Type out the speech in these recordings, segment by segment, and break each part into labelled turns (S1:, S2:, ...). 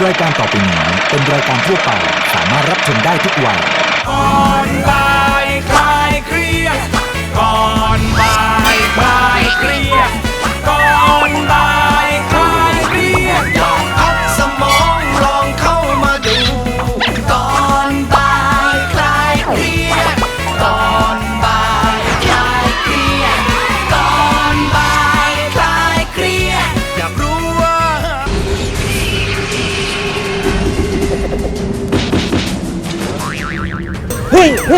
S1: รายการต่อไปนี้เป็นรายการทั่วไปสามารถรับชมได้ทุกวัย
S2: ก่อนบ่ายคลายเครียดก่อนบ่ายคลายเครียดก่อนบ่ายคลายเครียดลองพักสมองลองเข้ามาดูก่อนบ่ายคลายเครียดก่อนบ่ายคลายเครียดก่อนบ่ายคลายเครียดอยากรู้ว่า
S3: เฮ้ยโอ้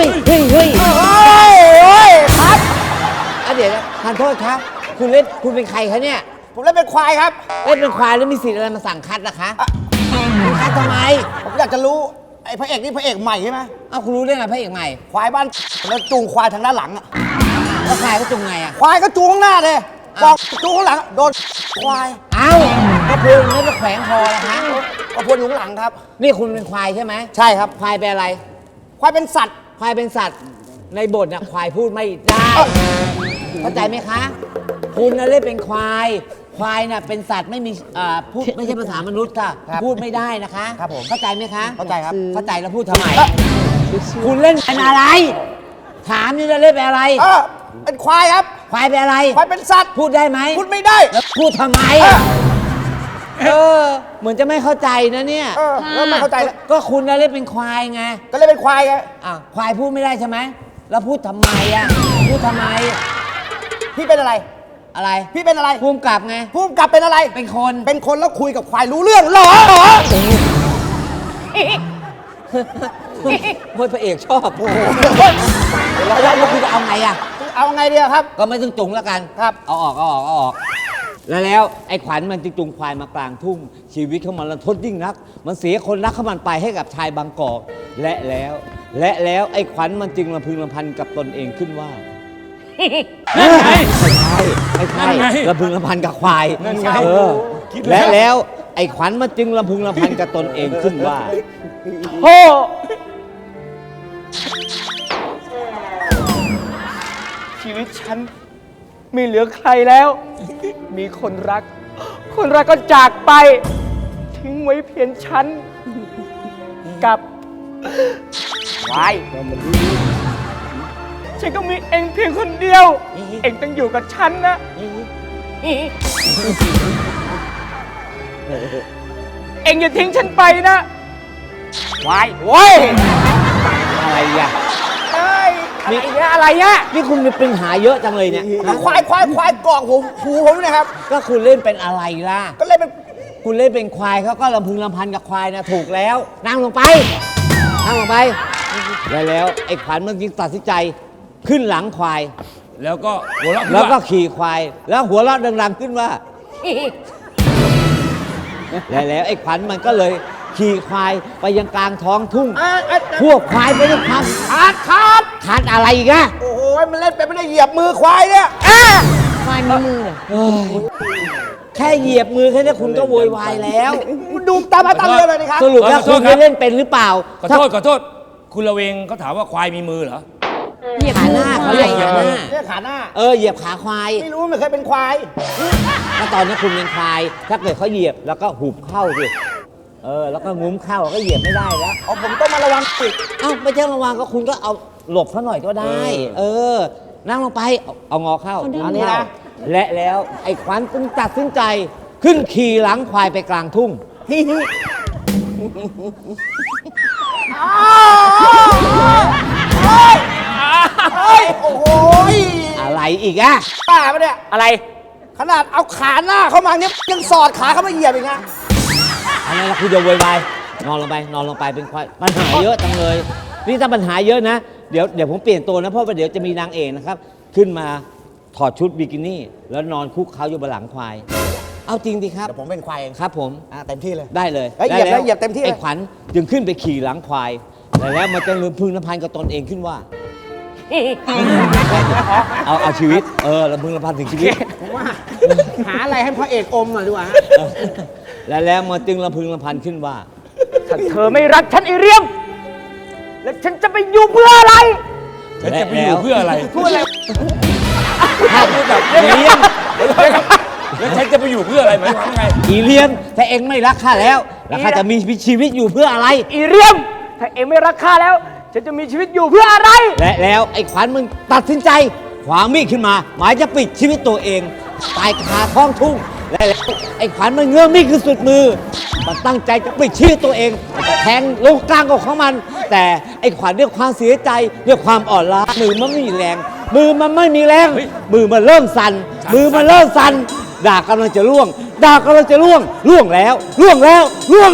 S3: ยครับเดี๋ยวนะทานโทษครับ คุณเป็นใครคะเนี่ย
S4: ผมเล่นเป็นควายครับ
S3: เล่นเป็นควายแล้วมีสิทธิ์อะไรมาสั่งคัดล่ะคะคุณคัดทำไม
S4: ผมอยากจะรู้ไอ้พระเอกนี่พระเอกใหม่ใช่ไหม
S3: เอ้าคุณรู้ได้ไงพระเอกใหม่
S4: ควายบ้านแล้วจูงควายทางด้านหลังอะ
S3: แล้วควายเขาจุงไงอ่ะ
S4: ควายก็จูงข้างหน้าเลยบอกจูงข้างหลังโดนควาย
S3: เอ้าก็คุณไม่ไปแขวงคอละคะ
S4: ก็พวนอยู่ข้างหลังครับ
S3: นี่คุณเป็นควายใช่ไหม
S4: ใช่ครับ
S3: ควายเป็นอะไร
S4: ควายเป็นสัตว์
S3: ควายเป็นสัตว์ในบทน่ะควายพูดไม่ได้เข้าใจไหมคะ คุณน่ะเล่นเป็นควายควายน่ะเป็นสัตว์ไม่มีพูดไม่ใช่ภาษามนุษย์ค่ะพูดไม่ได้นะคะ
S4: ครับผม
S3: เข้าใจไหมคะ
S4: เข้าใจครับ
S3: เข้าใจแล้วพูดทำไม คุณเล่นเป็นอะไร ถามนี่จะเล่นเป็นอะไร
S4: เป็นควายครับ
S3: ควายเป็นอะไร
S4: ควายเป็นสัตว์
S3: พูดได้ไหม
S4: พูดไม่ได้
S3: แล้วพูดทำไมเหมือนจะไม่เข้าใจนะเนี่ย
S4: แล้วไม่เข้าใจแล้ว
S3: ก็คุณน่ะเล่นเป็นควายไง
S4: ก็เลยเป็นควายไง
S3: ควายพูดไม่ได้ใช่ไหมแล้วพูดทำไมอ่ะพูดทำไม
S4: พี่เป็นอะไร
S3: อะไร
S4: พี่เป็นอะไร
S3: ภูมิกับไง
S4: ผู้กำกับเป็นอะไร
S3: เป็นคน
S4: เป็นคนแล้วคุยกับควายรู้เรื่องเหรอ
S3: เฮ้ยพระเอกชอบโอ้โหแล้วคุณจะเอาไงอ่ะ
S4: เอาไงดีครับ
S3: ก็ไม่ต้องจุงแล้วกัน
S4: ครับ
S3: เอาออกแล้วไอ้ขวัญมันจึงจูงควายมากลางทุ่งชีวิตของมันรันทดยิ่งนัก มันเสียคนรักของมันไปให้กับชายบางกอกและแล้วไอ้ขวัญมันจึงรำพึงรำพันกับตนเองขึ้นว่านั่นไงไม่ใช่รำพึงรำพันกับควายและแล้วไอ้ขวัญมันจึงรำพึงรำพันกับตนเองขึ้นว่าโธ่
S5: ชีวิตฉันไม่เหลือใครแล้ว มีคนรักก็จากไป ทิ้งไว้เพียงฉันกับวายฉันก็มีเองเพียงคนเดียว เองต้องอยู่กับฉันนะ เองอย่าทิ้งฉันไปนะวายโว้ย
S3: อะไรอ่ะ
S5: อะไรเนี่ย
S3: นี่คุณมีปัญหาเยอะจังเลยเนี่ย
S4: ควายกรอกหูผมนะครับ
S3: ก็คุณเล่นเป็นอะไรล่ะ
S4: ก็เลยเป็น
S3: คุณเล่นเป็นควายเขาก็ลำพึงลำพันกับควายนะถูกแล้ว นั่งลงไปแล้วไอ้ขวัญมันจึงตัดสินใจขึ้นหลังควาย
S2: แล้วก็หัวเราะ
S3: แล้วก็ขี่ควาย แล้วหัวเราะดังๆขึ้นว่า แล้วไอ้ขวัญมันก็เลยขี่ควายไปยังกลางท้องทุ่งพวกควายไปด้วยความขาดอะไรอีกอะ
S4: โอ้โหมันเล่นเป็นไม่ได้เหยียบมือควายเนี่ย
S3: ควายมีมือแค่เหยียบมือแค่นี้คุณก็โวยวายแล้ว
S4: มันดูตามมาตั้งเรือเลยนะครับ
S3: สรุปแล้วคุณเคยเล่นเป็นหรือเปล่า
S2: ขอโทษคุณละเวงเขาถามว่าควายมีมือเหรอ
S3: เหยียบขาหน้าเขาเรียกเหยียบหน้า
S4: เนี่ยขาหน้า
S3: เหยียบขาควาย
S4: ไม่รู้ไม่เคยเป็นควาย
S3: แล้วตอนนี้คุณเป็นควาย ถ้าเกิดเขาเหยียบแล้วก็หุบเข้าสิแล้วก็งุ้มเข้าก็เหยียบไม่ได้แล้ว
S4: ผมต้องมาระวังปิด
S3: ไม่ใช่ระวังก็คุณก็เอาหลบเขาหน่อยก็ได้ นั่งลงไปเอางอเข้าเอานี้นะและแล้วไอ้ขวัญจึงตัดสินใจขึ้นขี่หลังควายไปกลางทุ่ง
S4: โอ้โห
S3: อะไรอีกอะ
S4: ป้าปะเนี่ย
S5: อะไร
S4: ขนาดเอาขาหน้าเข้ามาเนี่ยยังสอดขาเข้ามาเหยียบอีกนะ
S3: อะไรล่ะคุณจะโวยวายนอนลงไปเป็นควายปัญหาเยอะจังเลยนี่ถ้าปัญหาเยอะนะเดี๋ยวผมเปลี่ยนตัวนะเพราะว่าเดี๋ยวจะมีนางเอกนะครับขึ้นมาถอดชุดบิกินี่แล้วนอนคุกเขาอยู่บนหลังควายเอาจริงดิครับ
S4: เดี๋ยวผมเป็นควายเอง
S3: ครับผม
S4: เต็มที่เลย
S3: ได้เลย
S4: เหยียบแล้วเหยียบเต็มที่เลย
S3: ไอ้ขวัญจึงขึ้นไปขี่หลังควายแล้วมันจะลืมพึงลำพันกับตนเองขึ้นว่าเอาชีวิตลำพึงลำพันถึงชีวิต
S4: ผมว่าหาอะไรให้พระเอกอมหน่อยดีกว่า
S3: แล้วมันจึงลำพึงลำพันขึ้นว่า
S5: ถ้าเธอไม่รักฉันไอเรียม แล้วฉันจะไปอยู่เพื่ออะไร
S2: ฉันจะไปอยู่เพื่ออะไร
S5: พูดอะไร
S3: ถ้าพูดแบบเลี้ยง
S2: แล้วฉันจะไปอยู่เพื่ออะไรหมายความว่าไง
S3: อีเลียมถ้าเองไม่รักข้าแล้วข้าจะมีชีวิตอยู่เพื่ออะไร
S5: อีเรียม ถ้าเองไม่รักข้าแล้ว ฉันจะมีชีวิตอยู่เพื่ออะไร
S3: และแล้วไอ้ขวัญมึงตัดสินใจขวางมีดขึ้นมา หมายจะปิดชีวิตตัวเองตายคาท้องทุ่งและแล้วไอ้ขวัญมันเงื้อมีดขึ้นสุดมือ มันตั้งใจจะปิดชีวิตตัวเองแทงลงกลางอกของมัน แต่ไอ้ขวัญด้วยความเสียใจด้วยความอ่อนล้ามือมันไม่มีแรง มือมันไม่มีแรง มือมันเริ่มสั่นมือมันเริ่มสั่นดาบกำลังจะล่วงดาบกำลังจะล่วงแล้วล่วงแล้ว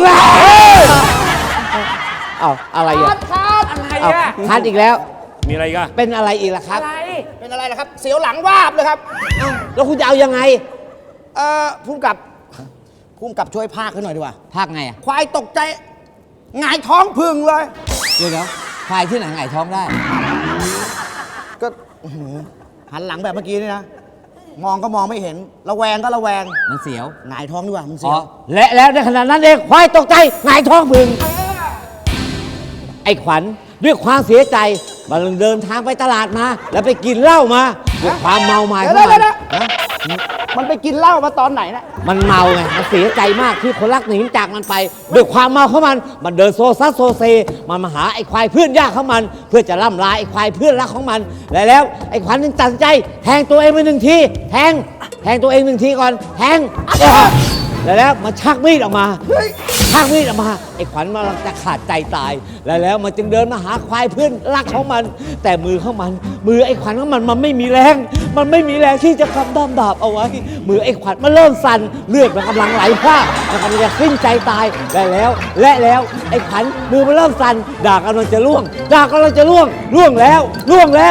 S3: เอาอะไรอ่ะ
S5: อะไร
S3: เอา
S5: อะ
S3: คัดอีกแล้ว
S2: มีอะไรอีกัน
S3: เป็นอะไรอีกล่ะครับ
S4: เป็นอะไรล่ะครับ เสียวหลังวาบเลยครับ
S3: แล้วคุณจะเอายังไง
S4: พุ่มกับช่วยพากให้หน่อยดีกว่า
S3: ภาคไงอ่ะ
S4: ควายตกใจหงายท้องพึ่งเลย
S3: เดี๋ยวควายที่ไหนไงท้องได้
S4: ก็อื้อหือหันหลังแบบเมื่อกี้นี่นะ มองก็มองไม่เห็น ระแวงก็ระแวง
S3: มันเสียว
S4: หงายท้องดีกว่ามันเสี
S3: อ๋
S4: ย
S3: อ
S4: ว
S3: และแล้วในขณะนั้นเองควายตกใจหงายท้องพึง ไอ้ขวัญด้วยความเสียใจ มันเดินทางไปตลาดมา แล้วไปกินเหล้ามาด้วยความเมาหมายของมัน
S4: เดี๋ยว
S3: นะ
S4: มันไปกินเหล้ามาตอนไหนนะ
S3: มันเมาไง มันเสียใจมากที่คนรักหนีจากมันไป ด้วยความเมาของมัน มันเดินโซซัสโซเซ มันมาหาไอ้ควายเพื่อนยากของมัน เพื่อจะล่ำลาไอ้ควายเพื่อนรักของมัน และแล้วไอ้ขวัญจึงตัดสินใจ แทงตัวเองไปหนึ่งทีแทงตัวเองหนึ่งทีก่อน แทงแล้วมันชักมีดออกมาชักมีดออกมา ไอ้ขวัญมันจะขาดใจตาย แล้วมันจึงเดินมาหาควายเพื่อนรักของมัน แต่มือของมัน มือไอ้ขวัญของมันไม่มีแรง มันไม่มีแรงที่จะกำด้ามดาบเอาไว้ มือไอ้ขวัญมันเริ่มสั่น เลือดมันกำลังไหลพรากมันกำลังจะสิ้นใจตาย และแล้วไอ้ขวัญมือมันเริ่มสั่น ดาบกำลังจะล่วงแล้ว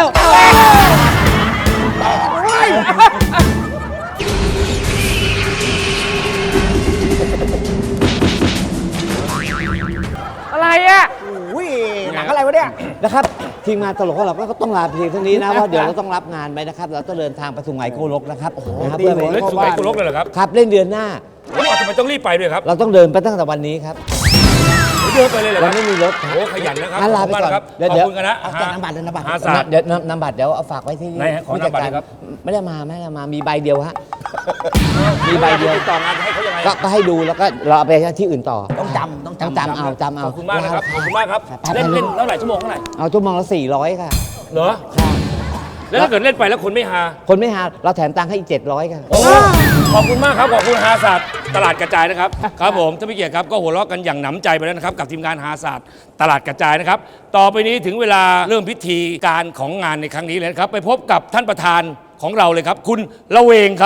S5: อะไรอะ
S4: อุ้ยหนังอะไรวะเนี่ย
S3: นะครับทีมงานตลกของเราก็ต้องลาเพียงเท่านี้นะว่าเดี๋ยวเราต้องรับงานไปนะครับ เราต้องเดินทางไปสุไหงโกลกนะครับนะครับ
S4: ดี
S3: เพื่อไป
S4: เลย
S2: เล่นสุไหงโกลกเลยเหรอครับ
S3: ครับเล่นเดือนหน้า
S2: แล้วทำไมต้องรีบไปด้วยครับ
S3: เราต้องเดินไปตั้งแต่วันนี้ครับ
S2: เดินไปเลยเหรอค
S3: เรา
S2: รับ
S3: ไม่มีรถ
S2: โอ้ขยันนะครับ
S3: งั้น
S2: ข
S3: ลา
S2: อบ
S3: ไป
S2: คุณมาก
S3: ก่อน
S2: นะครับ
S3: เดี๋ยว
S2: ขอบคุณกันนะ
S4: เอาแต่น้ำบัตรเลยน้ำบัตร
S2: หาศาสตร์
S3: เดี๋ยวนำบัตรเดี๋ยวเอาฝากไว้ที่
S2: ไหนฮะขอนำบัตรเลยครับ
S3: ไม่ได้มามีใบเดียวฮะมีใบเดียว
S2: ติดต่องานให้เขายังไง
S3: ก็ให้ดูแล้วก็เราเอาไปที่อื่นต่อ
S4: ต้องจำ
S3: จำเอา
S2: ขอบคุณมากนะครับขอบคุณมากครับเล่นเท่าไหร่ชั่วโมงเท่าไหร่
S3: เอาชั่วโมงละ400ค่ะ
S2: เหรอ
S3: ค่ะ
S2: แล้วถ้าเกิดเล่นไปแล้วคนไม่ฮา
S3: คนไม่หาเราแถมตังค์ให้อีก700ค่ะ
S2: โอ้ขอบคุณมากครับ ขอบคุณฮาศาสตร์ตลาดกระจายนะครับ ครับผมท่านผู้เกียรติครับก็หัวเราะกันอย่างหนำใจไปแล้วนะครับ กับทีมงานฮาศาสตร์ตลาดกระจายนะครับ ต่อไปนี้ถึงเวลาเริ่มพิธีการของงานในครั้งนี้เลยนะครับ ไปพบกับท่านประธานของเราเลยครับ คุณละเวงครับ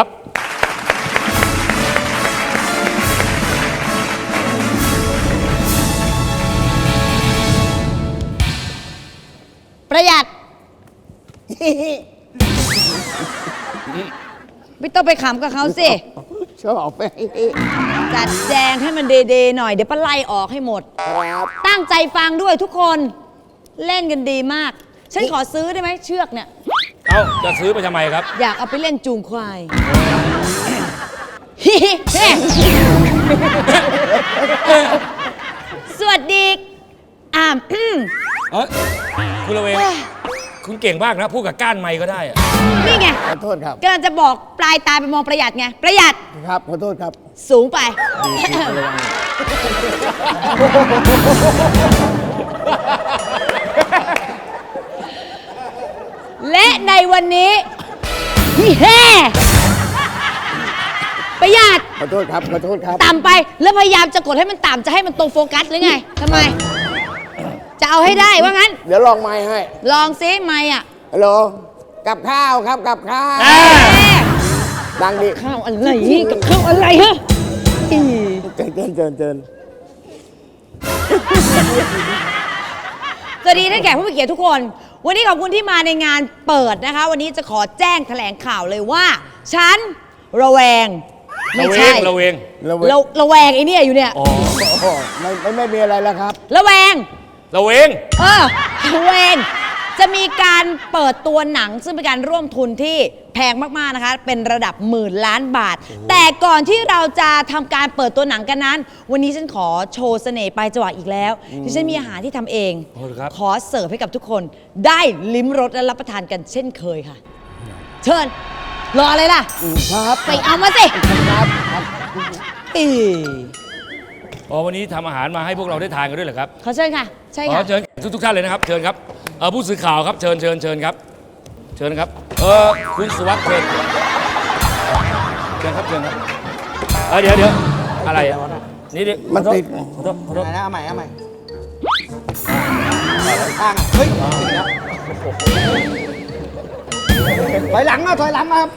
S6: ประหยัด ไม่ต้องไปขำกับเขาสิ
S4: ชอบไป
S6: จัดแจงให้มันเดๆหน่อย เดี๋ยวปะไล่ออกให้หมด ตั้งใจฟังด้วยทุกคนเล่นกันดีมาก ฉันขอซื้อได้ไหมเชือกเนี่ย
S2: เอ้าจะซื้อไปทำไมครับ
S6: อยากเอาไปเล่นจูงควาย สวัสดี
S2: เอ้ยคุณละเวงคุณเก่งมากนะพูดกับก้านไม้ก็ได้อะ
S6: นี่ไง
S4: ขอโทษครับ
S6: กำลังจะบอกปลายตาไปมองประหยัดไง ประหยัด
S4: ครับ ขอโทษครับ
S6: สูงไป และในวันนี้แฮ่ประหยัด
S4: ขอโทษครับ ขอโทษครับ
S6: ต่ำไปแล้วพยายามจะกดให้มันต่ำจะให้มันตรงโฟกัสหรือไงทำไม จะเอาให้ได้ว่างั้น
S4: เดี๋ยวลองไม้ให้
S6: ลองซิไม่อ่ะ
S4: ฮัลโหล กับข้าวครับ กับข้าว ดังดิ
S6: ข้าวอะไรกับข้าวอะไรฮะอี
S4: เจิน
S6: สวัสดีท่านแขกผู้มีเกียรติทุกคน วันนี้ขอบคุณที่มาในงานเปิดนะคะ วันนี้จะขอแจ้งแถลงข่าวเลยว่า ฉันระแวง ไม่ใช่
S2: ละเวง
S4: ระเว
S6: ระแวงไอ้เนี่ยอยู่เนี่ย
S2: อ๋อ
S4: โอ้โหไม่มีอะไรแล้วครับ
S6: ระแวง
S2: ละเวง
S6: ระแวงจะมีการเปิดตัวหนังซึ่งเป็นการร่วมทุนที่แพงมากๆนะคะ เป็นระดับหมื่นล้านบาท แต่ก่อนที่เราจะทำการเปิดตัวหนังกันนั้น วันนี้ฉันขอโชว์เสน่ห์ปลายจวักอีกแล้วที่ฉันมีอาหารที่ทำเอง
S2: โอ้ครับ
S6: ขอเสิร์ฟให้กับทุกคน ได้ลิ้มรสและรับประทานกันเช่นเคยค่ะ เชิญรออะไรล่ะ
S4: ครับ
S6: ไปเอามาสิ
S4: ครับครับ
S6: อี
S7: อ๋อวันนี้ทำอาหารมาให้พวกเราได้ทานกันด้วยเหรอครับ
S6: ขอเชิญค่ะ ใช่
S7: อ๋อ
S6: ค่ะ
S7: เชิญทุกท่านเลยนะครับเชิญครับผู้สื่อข่าวครับเชิญครับ เชิญครับคุณสุวัสดิ์เชิญครับเดี๋ยวอะไรอ่ะนี่ดิ
S4: มันติด
S7: ขอโทษ
S4: ไหนนะเอาใหม่ข้างอ่ะเฮ้ยติดแล้วถอยหลังมาครับ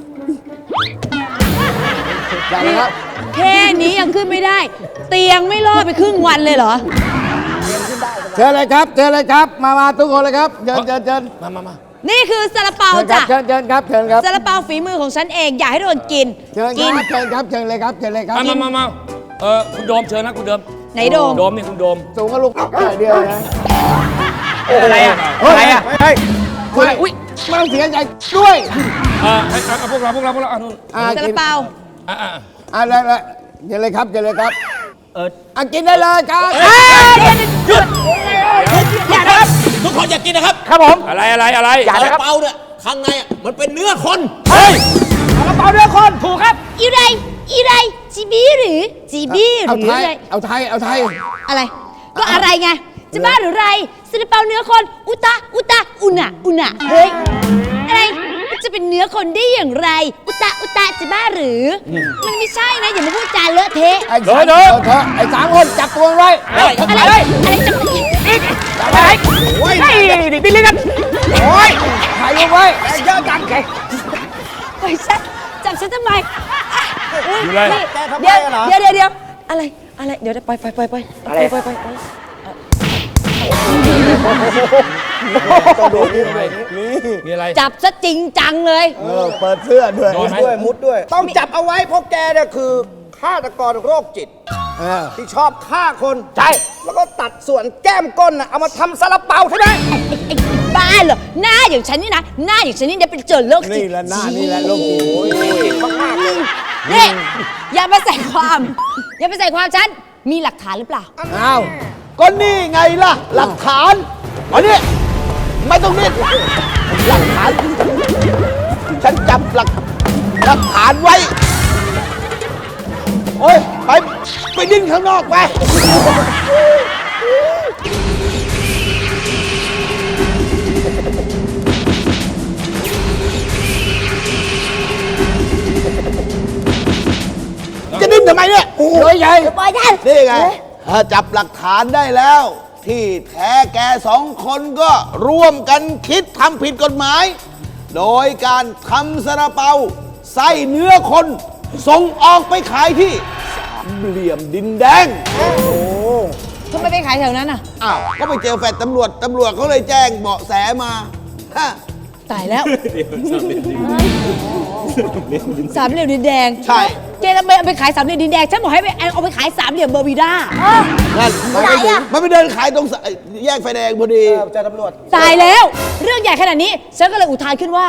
S4: ได้แล้วครับ
S6: แค่นี้ยังขึ้นไม่ได้ เตียงไม่รอดไปครึ่งวันเลยเหรอ
S4: เชิญเลยครับ มาทุกคนเลยครับเชิญ
S7: มา
S6: นี่คือซาลาเปา
S4: เชิญ
S6: จ้ะ
S4: ครับ
S6: ซาลาเปาฝีมือของฉันเองอยากให้ทุกคนกิน
S4: เชิญ
S6: กิน
S4: ครับเชิญเลยครับ
S7: มาคุณโดมเชิญนะคุณโดม
S6: ไหนโดม
S7: โดมนี่คุณโดม
S4: สูงก็ลูกเดียวนะ
S5: อะไรอ่ะ
S4: อะไรอ่ะเฮ้ยคุณ
S5: อุ๊ย
S4: ไม่ต้องเสียใจด้วย
S7: ให้พวกเรานู่น
S6: ซาลาเปา
S4: แล้วเชิญเลยครับกินได้เลยครับ
S6: อย่านะครับ
S2: ทุกคนอยากกินนะครับ
S5: ครับผม
S7: อะไร
S5: อย่านะครับ
S2: เปาเนี่ยข้างในอะมันเป็นเนื้อคน
S7: เฮ้ย
S5: ซาลาเปาเนื้อคนถูกครับ
S6: อีไรจีบีหรือจีบีห
S4: เอา
S6: รือ
S4: ไทย
S6: อะไร
S4: เอาไทย
S6: อะไร ก็อะไรไง จะบ้าหรือไรซาลาเปาเนื้อคน อุตะ อุนะเฮ้ย อะไรมันจะเป็นเนื้อคนได้อย่างไร อุตะจะบ้าหรือ มันไม่ใช่นะ อย่ามาพูดจาเลอะเทะ
S4: ไอ้สามไอ้3 คนจับตัวไว้
S6: อะไรจะ
S5: อะไรโอ้ยดิบิลลี่กันโอ้ย
S4: ถ่ายรูปไว้
S5: เยอะจังไง
S6: ไปฉันจับฉันทำไมอ่ะอุ๊
S7: อยู่เลย
S6: นี่
S4: แกทำไม
S6: เดี๋ยว
S4: อะเหรอ
S6: เดี๋ยวอะไรเดี๋ยวไป
S4: ต้องดูนี่
S7: มีอะไร
S6: จับซะจริงจังเลย
S4: เปิดเสื้อด้วย
S7: โดนไหม
S4: มุดด้วย ต้องจับเอาไว้เพราะแกเนี่ยคือฆาตกรโรคจิตที่ชอบฆ่าคน
S5: ใช่
S4: แล้วก็ตัดส่วนแก้มก้นน่ะเอามาทำซาลาเปาใช่ไหม
S6: ไอ้บ้าเหรอหน้าอย่างฉันนี่นะหน้าอย่างฉันนี่เป็นเจอโรคจิต
S4: นี่แหละหน้านี่แหละโรคจิตมากๆเลย
S6: นี่อย่ามาใส่ความฉันมีหลักฐานหรือเปล่า
S4: อ้าวก็นี่ไงล่ะ หลักฐานอันนี้ไม่ต้องนิดหลักฐาน ฉันจับหลักฐานไว้ โอ้ยไปดิ้นข้างนอกไป จะดิ้นทำไมเนี่ยโอ้ยใหญ่
S6: ปล่อยฉัน
S4: นี่ไงจับหลักฐานได้แล้ว ที่แท้แก2 คนก็ร่วมกันคิดทำผิดกฎหมาย โดยการทำซาลาเปาใส่เนื้อคนส่งออกไปขายที่สามเหลี่ยมดินแดง
S6: ทำไมไปขายแถวนั้นอ่ะ
S4: อ้าว ก็ไปเจอแฟดตำรวจเขาเลยแจ้งเบาะแสมาฮะ
S6: ตายแล้วสามเหลี่ยมดินแดง
S4: ใช่
S6: เจนเอาไปขายสามเหลี่ยมดินแดงฉันบอกให้เอาไปขายสามเหลี่ยมเบอร์บีด้า
S4: นั่นมันไปเดินขายตรงแยกไฟแดงพอดีเจอตำรวจ
S6: ตายแล้ว เรื่องใหญ่ขนาดนี้ฉันก็เลยอุทานขึ้นว่า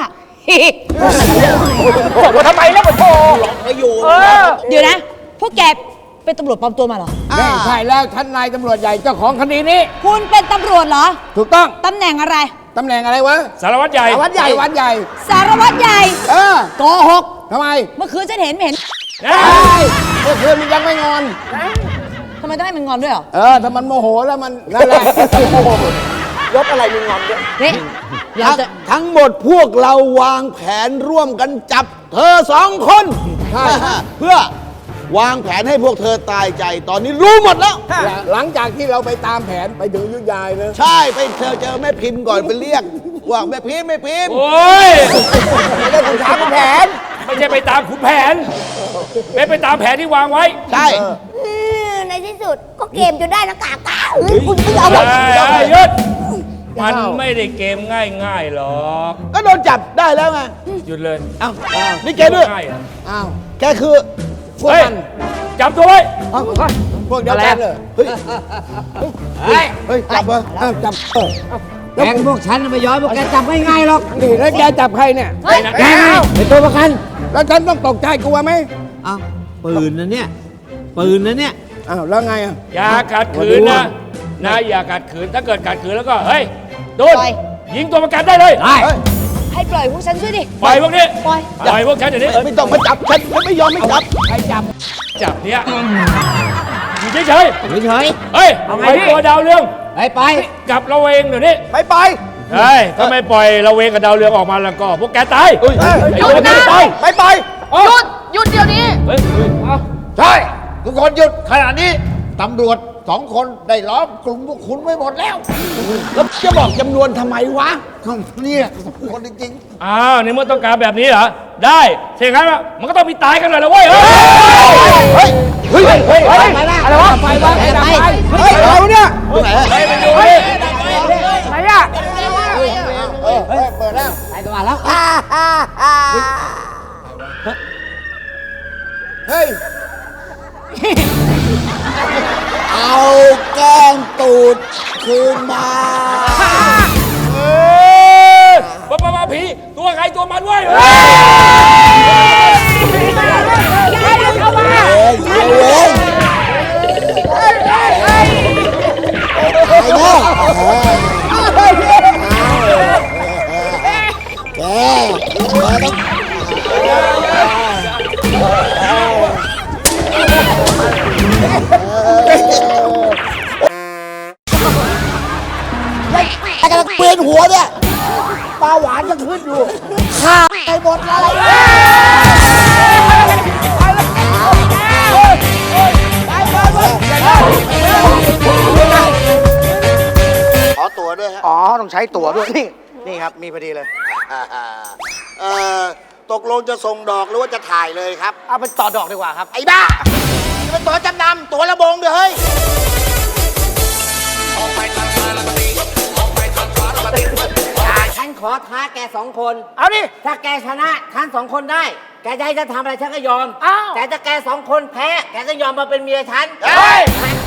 S5: บอกว่าทำไมแล้วมาโทร
S6: เดี๋ยวนะ พวกแกเป็นตำรวจปลอมตัวมาเหรอ
S4: ใช่แล้วท่านนายตำรวจใหญ่เจ้าของคดีนี้
S6: คุณเป็นตำรวจเหรอ
S4: ถูกต้อง
S6: ตำแหน่งอะไร
S4: ตำแหน่งอะไรวะ
S7: สารวัตรใหญ่
S4: วัดใหญ่
S6: สารวัตรใหญ่ โกหก
S4: ทำไม
S6: เมื่อคืนฉันเห็นไม่เห็น
S4: เมื่อคืนมันยังไม่งอน
S6: ทำไมต้องให้มันงอนด้วยเหรอ
S4: ถ้ามันโมโหแล้วมันนั่นแหละ ยกอะไรมีงอนด้วย
S6: นี่เราจะ
S4: ทั้งหมดพวกเราวางแผนร่วมกันจับเธอ2 คน เพื่อวางแผนให้พวกเธอตายใจ ตอนนี้รู้หมดแล้ว หลังจากที่เราไปตามแผนไปถึงยุทธยายเลยใช่ไปเจอแม่พิมพ์ก่อนไปเรียกว่าแม่พิมพ์
S7: โอ้ย
S4: ไม่ได้ถึงถามแผน
S7: ไม่ใช่ไปตามขุนแผนเป็นไปตามแผนที่วางไว้
S4: ใช่
S8: ในที่สุดก็เกมจนได้นะกากาเฮ้ยคุณไม่เอา
S7: หยุดมันไม่ได้เกมง่ายๆหรอก
S4: ก็โดนจับได้แล้วไง
S7: หยุดเลย
S4: อ้าวนี่แกด้วย
S7: ง่ายเหรอ
S4: อ้าวแกคือพวก
S7: เฮ้ย
S4: มัน
S7: จับตัวไว้
S4: พวกเดียวกันเลยเฮ้ยจับเหรอจับ
S3: แกงพวกฉันไม่ยอมพวกแกจับไม่ง่ายหรอก
S4: นี่แล้วแกจับใครเนี่ย
S3: แกไงเป็นตัวประกัน
S4: แล้วฉันต้องตกใจกลัวไหม
S3: อ้าวปืนนะเนี่ยปืนนะเนี่ย
S4: อ้าวแล้วไงอ่ะ
S7: อย่าขัดขืนนะอย่าขัดขืนถ้าเกิดขัดขืนแล้วก็เฮ้ยโดนยิงตัวประกันได้เลย
S3: ได้
S6: ให้ปล่อยพวกฉันช่วยดิ
S7: ปล่อยพวกนี้
S6: ปล่อย
S7: ปล่อยพวกฉันเดี๋ยวนี้
S4: ไม่ต้องมาจับฉันไม่ยอมไม่จับ
S5: ใครจับ
S7: จับเนี่ยอยู่เฉย
S3: เฉย
S7: ๆเฮ้ย
S5: เอาไง
S7: ไอ้
S5: พี่
S7: ตัวดาวเรือง
S3: ๆไป
S7: กลับระเวงเดี๋ยวนี้
S4: ไปไป
S7: เฮ้ยถ้าไม่ปล่อยระเวงกับดาวเรืองออกมาแล้วก็พวกแกตายไอ้ตัวนี้ตาย
S4: ไปไป
S6: หยุดเดี๋ยวนี้
S7: เฮ้ย
S9: ใช่ ทุกคนหยุดขณะนี้ตำรวจ2 คนได้ล้อมกลุ่มพวกคุณไว้หมดแล้ว
S4: แล้วจะบอกจำนวนทำไมวะ
S9: เนี่ยคนจริง
S7: อ้าวในเมื่อต้องการแบบนี้เหรอได้เช่นงั้นมันก็ต้องมีตายกันหน่อยละเว้ยเฮ้ย
S4: เฮ้ยเฮ้ยเฮ้ย
S5: อะไรวะไฟวะ
S4: เฮ้ยอะไรวะเนี่ย
S7: ไปดูดิ
S5: ไหนอ่ะ
S9: เปิดแล้ว
S3: ไปตัวมาแล้ว
S9: เฮ้ย
S4: เอาแก้มตูดคืนมา
S7: เออมาผีตัวใครตัวมันเว้ย
S5: เข้ามา
S4: แต่กำลังเปลี่ยนหัวเนี่ยปลาหวานจะขึ้นอยู่ข้าไปหมดเลย
S9: ขอตั๋วด้วยฮะ
S5: อ๋อ ต้องใช้ตั๋วด้วย นี่ครับ มีพอดีเลย
S9: ตกลงจะส่งดอกหรือว่าจะถ่ายเลยครับ
S5: เอาไปต่อดอกดีกว่าครับ
S9: ไอ้บ้านี่มันตั๋วจำนำตั๋วระบงเด้อเฮ้ย
S3: ฉันขอท้าแก2 คน
S5: เอาดิ
S3: ถ้าแกชนะฉัน2 คนได้ แกจะให้ฉันทำอะไรฉันก็ยอม
S5: อ้าว
S3: แต่ถ้าแก2 คนแพ้ แกก็ยอมมาเป็นเมียฉัน
S9: เฮ้ย
S3: แก